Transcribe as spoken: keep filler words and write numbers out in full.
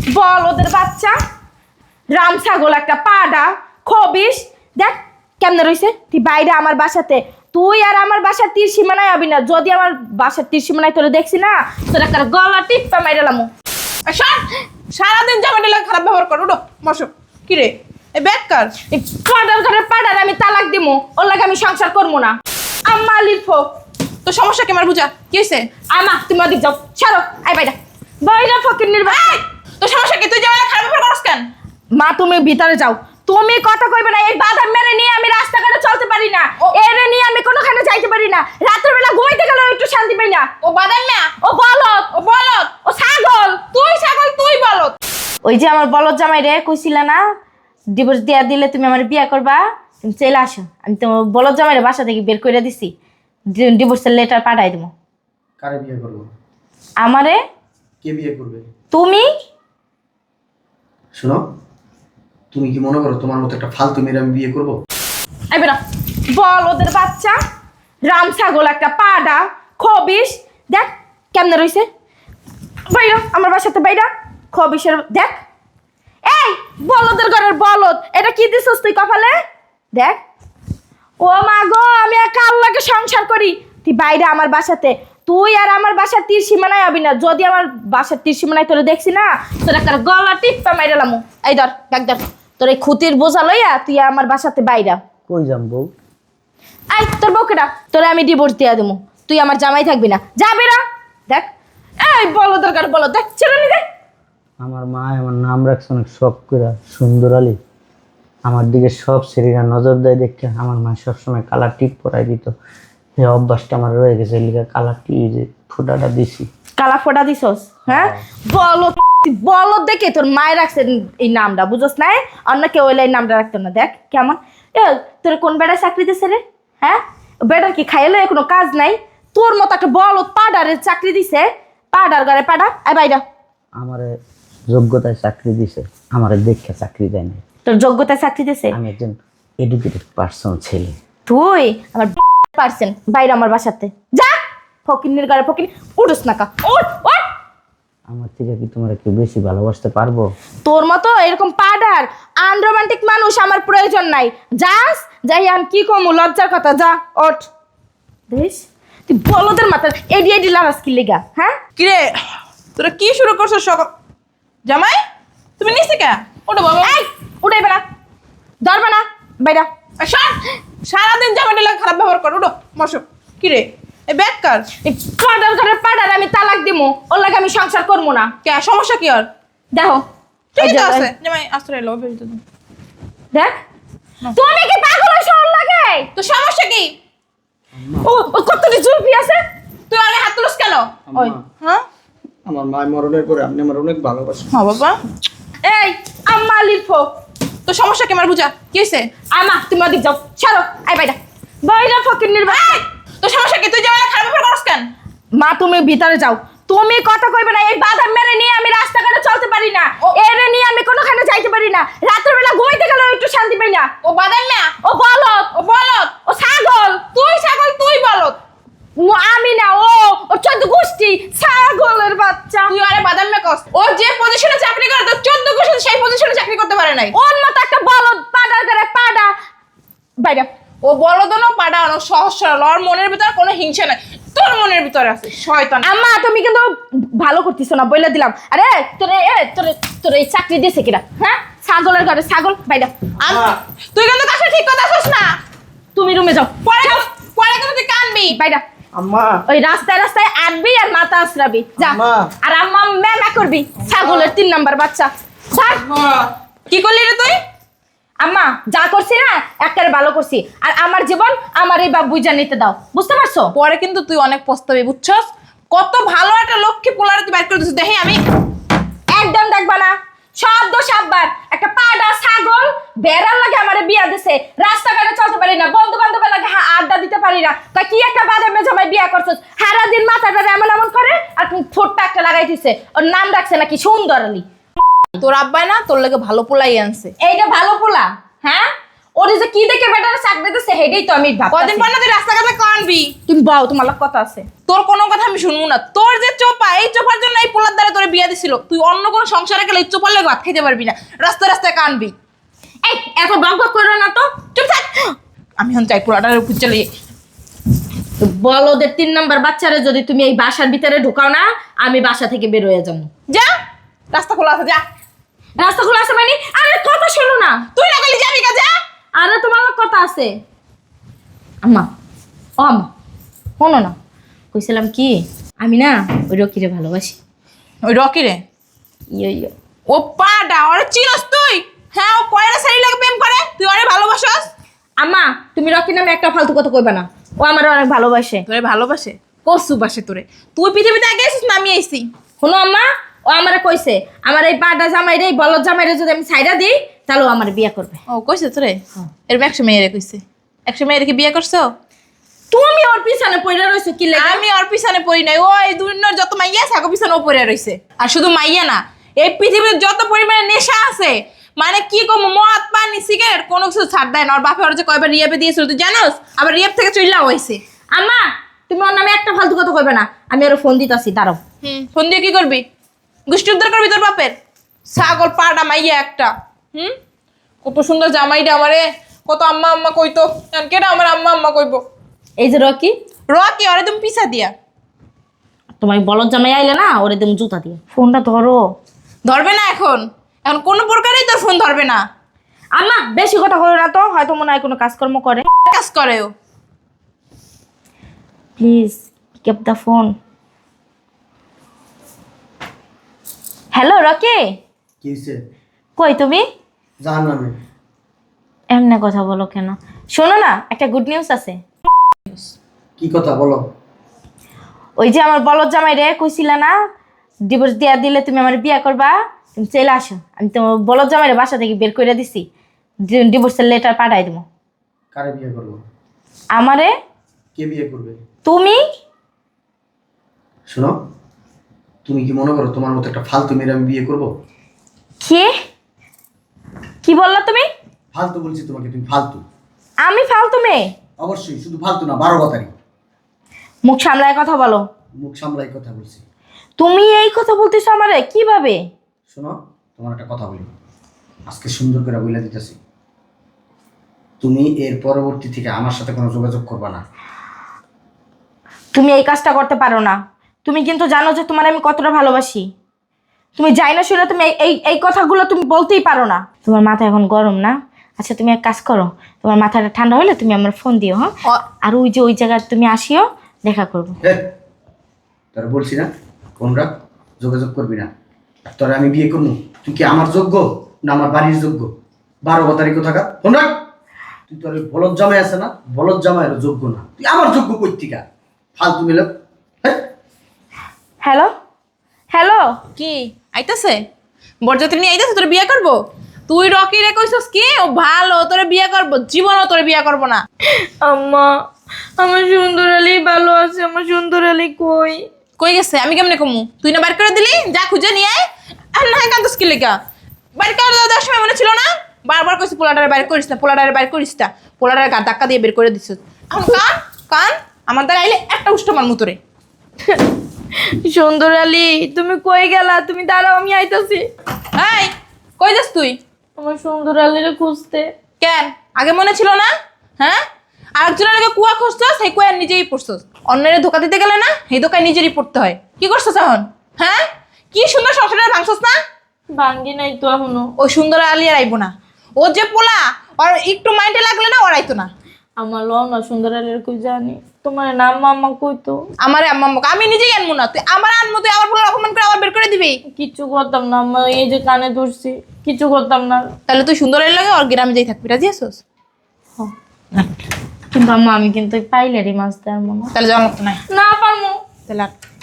বল ওদের বাচ্চা রাম ছাগল একটা পাডা খবিস দেখ কেমনে রইছে তুই বাইরে আমার বাসাতে তুই আর আমার বাসার তীর সীমানায় আবি না যদি আমার বাসার তীর সীমানায় তোরে দেখছি না তোর একটা গলা টিপা মাইরালাম সারাদিন জামাটি লাগে খারাপ ব্যবহার করো উঠো বসো কি রে এই ব্যাগ কার এই পাডার ঘরের পাডার আমি তালাক দিমু ওর লাগে আমি সংসার করবো না আম্মা লিখো তো সমস্যা কি আমার বুঝা কি হয়েছে আমা তুমি ওদিক যাও ছাড়ো আই বাইরা বাইরা ফকির নির্বাচন তো সমস্যা কি তুই জামাইলা খারাপ ব্যবহার করছ কেন মা তুমি ভিতরে যাও তুমি কথা কইবে না এই বাধা মেরে নিয়ে আমি রাস্তাঘাটে চলতে পারি না এরে নিয়ে আমি কোনোখানে যাইতে পারি না রাতের বেলা ঘুমাইতে গেলে একটু শান্তি পাই না ও বাদাম না ও বলদ ও বলদ ও ছাগল তুই ছাগল তুই বলদ ওই যে আমার বলদ জামাই রে কইছিলা না ডিভোর্স দেয়া দিলে তুমি আমার বিয়ে করবা তুমি চলে আসো আমি তো বলদ জামাই রে বাসা থেকে বের করে দিছি ডিভোর্সের লেটার পাঠাই দেবো কারে বিয়ে করবো আমারে কে বিয়ে করবে তুমি শোনো তুমি কি মনে করো তোমার মতো একটা ফালতু মেয়ে আমি বিয়ে করবো এই বেটা বল ওদের বাচ্চা রাম ছাগল একটা পাডা খবিস দেখ কেমনে রইছে বাইরা আমার বাসাতে বাইরা খবিসের দেখ এই বলদের ঘরের বলদ এটা কি দিছস তুই কপালে দেখ ও মা গো আমি একা আল্লাহকে সংসার করি তুই বাইরে আমার বাসাতে তুই আর আমার বাসার তীর সীমানায় আবি না যদি আমার বাসার তীর সীমানায় তোরে দেখছি না তোর একটা গলা টিপা মাইরালাম এই ধর দেখ ধর তোর এই খুতির বোঝা লইয়া তুই আমার বাসাতে বাইরা কই যাম বউ আই তোর বউকেটা তোরে আমি ডিভোর্স দিয়া দেবো তুই আমার জামাই থাকবি না যাবে না দেখ এই বলো দরকার বলো দেখ ছেড়ে নি দেখ আমার মা আমার নাম রাখছে অনেক শখ করে সুন্দর আলী আমার দিকে সব শরীরা নজর দেয় দেখে আমার মা সবসময় কালার টিপ পরাই দিত এই অভ্যাসটা আমার রয়ে গেছে লিখে কালার টিপ যে ফুটাটা দিছি কালা ফোটা দিছস হ্যাঁ বলো বলো দেখে তোর মায়ের রাখছে এই নামটা বুঝোস নাই অন্য কেউ এই নামটা রাখতো না দেখ কেমন এ তোর কোন বেড়ায় চাকরি দিছে রে হ্যাঁ বেটার কি খাইলে কোনো কাজ নাই তোর মতো একটা বলো পাডারের চাকরি দিছে পাডার ঘরে পাডা আই বাইরা আমারে যোগ্যতায় চাকরি দিছে আমারে দেখে চাকরি দেয় না তোর যোগ্যতায় চাকরি দিছে আমি একজন এডুকেটেড পার্সন ছেলে তুই আমার পারছেন বাইরে আমার বাসাতে যা ফকিন্নির ঘরে ফকিন উঠোস না কা উঠ উঠ আমার থেকে কি তোমরা কেউ বেশি ভালোবাসতে পারবো তোর মতো এরকম পাডার আনরোমান্টিক মানুষ আমার প্রয়োজন নাই যাস যাই আমি কি কমু লজ্জার কথা যা ওঠ বেশ তুই বলদের মাথা এডি এডি লাগাস কি লেগা হ্যাঁ কি রে তোরা কি শুরু করছো সকাল জামাই তুমি নিচে কে ওঠো বাবা এই উঠাই বেড়া ধরবা না বাইরা এই শোন, সারাদিন জামাটি লাগে খারাপ ব্যবহার করো উঠো বসো কি রে এই ব্যাগ কার এই পাডার ঘরের পাডার আমি তালাক দিমু ওর লাগে আমি সংসার করবো না কে সমস্যা কি আর দেখো ঠিক এই যে, আছে জামাই আশ্রয় লো বেরিয়ে তো দেখ তুমি কি পাগল হইছ ওর লাগে তো সমস্যা কি ও ও কতটি জুলফি আছে তুই আগে হাত তুলস কেন ওই হ্যাঁ আমার মা মরণের পরে আপনি আমার অনেক ভালোবাসেন হ্যাঁ বাবা এই আম্মা লিখো তো সমস্যা কি আমার বুঝা কি হয়েছে আমা তুমি ওদিক যাও ছাড়ো আই বাইরা বাইরা ফকির নির্বাচন তো সমস্যা কি তুই জামাইলা খারাপ ব্যবহার করছ কেন মা তুমি ভিতরে যাও তুমি কথা কইবে না এই বাধা মেরে নিয়ে আমি রাস্তাঘাটে চলতে পারি না এরে নিয়ে আমি কোনোখানে যাইতে পারি না রাতের বেলা ঘুমাইতে গেলে একটু শান্তি পাই না ও বাদাম না ও বলদ ও বলদ ও ছাগল তুই ছাগল তুই বলদ ও আমি না ও ও চোদ্দ গোষ্ঠী ছাগলের বাচ্চা তুই আরে বাদাম না কস ও যে পজিশনে চাকরি করে তো চোদ্দ বছর সেই পজিশনে চাকরি করতে পারে নাই ওর মতো একটা বলদ পাডার করে পাডা বাইরা ও বলদনো পাড়ানো সহজ সরল ওর মনের ভিতরে কোনো হিংসা নাই তোর মনের ভিতরে আছে শয়তান আম্মা তুমি কিন্তু ভালো করতেছো না বইলা দিলাম আরে তোরে এ তোরে তোরে এই চাকরি দিয়েছে কিরা হ্যাঁ ছাগলের ঘরে ছাগল বাইরা আম- তুই কিন্তু কাছে ঠিক কথা আছিস না তুমি রুমে যাও পরে কিন্তু- পরে কিন্তু তুই কানবি বাইরা আম্মা ওই রাস্তায় রাস্তায় আটবি আর মাথা আসরাবি যা আম্মা। আর আম্মা ম্যামা করবি ছাগলের তিন নাম্বার বাচ্চা ছাড় কি করলি রে তুই আম্মা যা করছি না একবারে ভালো করছি আর আমার জীবন আমার এই বাপ বুঝা নিতে দাও বুঝতে পারছো পরে কিন্তু তুই অনেক পস্তাবি বুঝছস কত ভালো একটা লক্ষ্মী পোলারে তুই বাইর করে দিছিস দেখি আমি একদম দেখবা না সব দোষ আব্বার একটা পাডা ছাগল বেড়ার লাগে আমারে বিয়া দিছে রাস্তাঘাটে চলতে পারি না বন্ধু বান্ধবের লাগে হা- আড্ডা দিতে পারি না তা কি একটা বাদামে জামাই বিয়া করছস সারা দিন মাথাটা এমন এমন করে আর ঠোঁটটা একটা লাগাই দিছে ওর নাম রাখছে নাকি সুন্দর আলী তোর আব্বাই না তোর লাগে ভালো পোলাই আনছে এইটা ভালো পোলা হ্যাঁ ওরে যে কি দেখে বেটার চাকরি দিতেছে হেডেই তো আমি ভাবতাছি। কদিন পর না তুই রাস্তাঘাটে কানবি। তুমি বাও, তোমার লগ কথা আছে। তোর কোনো কথা আমি শুনবো না। তোর যে চোপা, এই চোপার জন্য এই পোলার দ্বারা তোর বিয়ে দিছিল। তুই অন্য কোনো সংসারে গেলে এই চোপার লেগে ভাত খেতে পারবি না, রাস্তায় রাস্তায় কানবি। এই এত বক বক করো না তো, চুপ থাক। আমি এখন চাই পোলাটার উপর চলে যাই। বল ওদের তিন নাম্বার বাচ্চারে যদি তুমি এই বাসার ভিতরে ঢুকাও না, আমি বাসা থেকে বের হয়ে যাবো। যা, রাস্তা খোলা আছে, যা। রাস্তা খোলা আছে মানে? আরে কথা শোনো না। তুই না গেলি যাবি কা, যা। আরে তোমার লগ কথা আছে। আম্মা, ও আম্মা শোনো না, কইছিলাম কি, আমি না ওই রকিরে ভালোবাসি। ওই রকি রে? ইয়ে ইয়ে ও পাডা, ওরে চিনস তুই? হ্যাঁ, ও কয়রা শাড়ি লাগে প্রেম করে, তুই ওরে ভালোবাসস? আম্মা, তুমি রকি নামে একটা ফালতু কথা কইবা না। ও আমার অনেক ভালোবাসে। তোরে ভালোবাসে? কসু বাসে তোরে? তুই পৃথিবীতে আগে এসেছিস না আমি আইছি? শোনো আম্মা, ও আমারে কইছে আমার এই পাটা জামাই রে, বলদ জামাই রে যদি আমি ছাইড়া দিই তাহলে ও আমার বিয়ে করবে। ও কইছে তোরে? এরকম একশো মেয়েরে কইছে। একশো মেয়েরে কি বিয়ে করছো? তুমি ওর পিছনে পড়ে রইছো কি লাগে? আমি ওর পিছনে পড়ি নাই। ওই দুনিয়ার যত মাইয়া আছে আগো পিছনে ও পড়ে রইছে। আর শুধু মাইয়া না, এই পৃথিবীর যত পরিমাণে নেশা আছে, মানে কি কম, মদ পানি সিগারেট কোনো কিছু ছাড় দেয় না। ওর বাপে ওর যে কয়বার রিয়াবে দিয়েছিল তুই জানোস? আবার রিয়াব থেকে চইলাও হইছে। আম্মা, তুমি ওর নামে একটা ফালতু কথা কইবে না। আমি ওর ফোন দিতাছি, দাঁড়াও। হুম, ফোন দিয়ে কি করবি? গোষ্ঠী উদ্ধার করবি তোর বাপের? ছাগল পাড়া মাইয়া একটা। হুম, কত সুন্দর জামাইটা আমারে, কত আম্মা আম্মা কইতো। কেন আমার আম্মা আম্মা কইবো? এই যে রকি, রকি ওরে তুমি পিছা দিয়া। তোমার বলদ জামাই আইলে না, ওরে তুমি জুতা দিয়ে। ফোনটা ধরো। ধরবে না এখন, এখন কোনো প্রকারেই তোর ফোন ধরবে না। আম্মা, বেশি কথা কইও না তো, হয়তো মনে হয় কোনো কাজকর্ম করে। কাজ করে ও। Please keep the phone. Hello Rocky, কি হয়েছে? কই তুমি? জান নামে এমনি কথা বলো কেন? শোনো না, একটা গুড নিউজ আছে। কি কথা বলো? ওই যে আমার বলদ জামাই রে কইছিলা না ডিভোর্স দিয়া দিলে তুমি আমার বিয়ে করবা, তুমি চলে আসো। আমি তো বলদ জামাই রে বাসা থেকে বের করে দিছি, ডিভোর্সের লেটার পাঠাই দেবো। কারে বিয়ে করবো? আমারে। কে বিয়ে করবে? তুমি। শোনো, তুমি কি মনে করো তোমার মতো একটা ফালতু মেয়ের আমি বিয়ে করবো? কে? কি বললা তুমি? ফালতু বলছি তোমাকে, তুমি ফালতু। আমি ফালতু মেয়ে? অবশ্যই, শুধু ফালতু না, বারো বাতারি। মুখ সামলায় কথা বলো। মুখ সামলাই কথা বলছি। তুমি এই কথা বলতেছো আমারে কিভাবে? শোনো, তোমার একটা কথা বলি, আজকে সুন্দর করে বলে দিতেছি, তুমি এর পরবর্তী থেকে আমার সাথে কোনো যোগাযোগ করবা না। তুমি এই কাজটা করতে পারো না। তুমি কিন্তু জানো যে তোমার আমি কতটা ভালোবাসি। তুমি যাই না শুনে তুমি এই এই কথাগুলো তুমি বলতেই পারো না। তোমার মাথা এখন গরম না? আচ্ছা তুমি এক কাজ করো, তোমার মাথাটা ঠান্ডা হলে তুমি আমার ফোন দিও, হ্যাঁ? আর ওই যে ওই জায়গায় তুমি আসিও, দেখা করবো। তোরা বলছি না ফোন রাখ, যোগাযোগ করবি না। তোরা আমি বিয়ে করবো, তুই কি আমার যোগ্য না আমার বাড়ির যোগ্য? বারো বাতারি কোথাকা, ফোন রাখ। তুই তোর ওই বলদ জামাই আছে না, বলদ জামাইয়ের যোগ্য না, তুই আমার যোগ্য কর্তিকা। ফালতু মিল। হ্যালো হ্যালো, কি আইতাছে? বরযাত্রী নিয়ে আইতাছে তোর বিয়ে করবো? তুই রকি রে কইছস কি ও ভালো, তোরে বিয়ে করবো? জীবনও তোরে বিয়ে করবো না। আম্মা, আমার সুন্দর আলী ভালো আছে। আমার সুন্দর আলী কই? কই গেছে? আমি কেমনে কমু? তুই না বাইর করে দিলি, যা খুঁজে নিয়ে আয়। আর না কান্দস কি লেগা? বাইর করে দেওয়ার সময় মনে ছিল না? বারবার কইছি পোলাটারে বাইর করিস না, পোলাটারে বাইর করিস না। পোলাটারে গা ধাক্কা দিয়ে বের করে দিছ। এখন কান কান, আমার দ্বারা আইলে একটা উষ্ঠ মার মুতরে। সুন্দর আলী, তুমি কই গেলা? তুমি দাঁড়াও, আমি আইতাছি। এই কই যাস তুই? আমার সুন্দর আলীরে খুঁজতে। কেন আগে মনে ছিল না? হ্যাঁ, আরেকজনের আগে কুয়া খুঁজছস, সেই কুয়া নিজেই পড়ছস। অন্যের ধোকা দিতে গেলে না, এই ধোকায় নিজেরই পড়তে হয়। কি করছস এখন? হ্যাঁ, কি সুন্দর সংসারটা ভাঙছস না? ভাঙ্গি নাই তো এখনো। ওই সুন্দর আলী আর আইবো না। ও যে পোলা, আর একটু মাইন্ডে লাগলে না ওর আইতো না। আমার লও না, সুন্দর আলীর কই জানি। তোমার নাম মামা কইতো। আমারে আম্মা আম্মা আমি নিজেই আনবো না, তুই আমার আনবো, তুই আমার পোলার অপমান করে আবার বের করে দিবি। কিচ্ছু করতাম না আম্মা, এই যে কানে ধরছি, কিচ্ছু করতাম না। তাহলে তুই সুন্দর আলী লাগে ওর গ্রামে যাই থাকবি, রাজি আছোস? কিন্তু আম্মা আমি কিন্তু পাইলারি মাছ দেওয়ার মনে। তাহলে যাওয়ার মতো নাই। না পারমু। তাহলে আর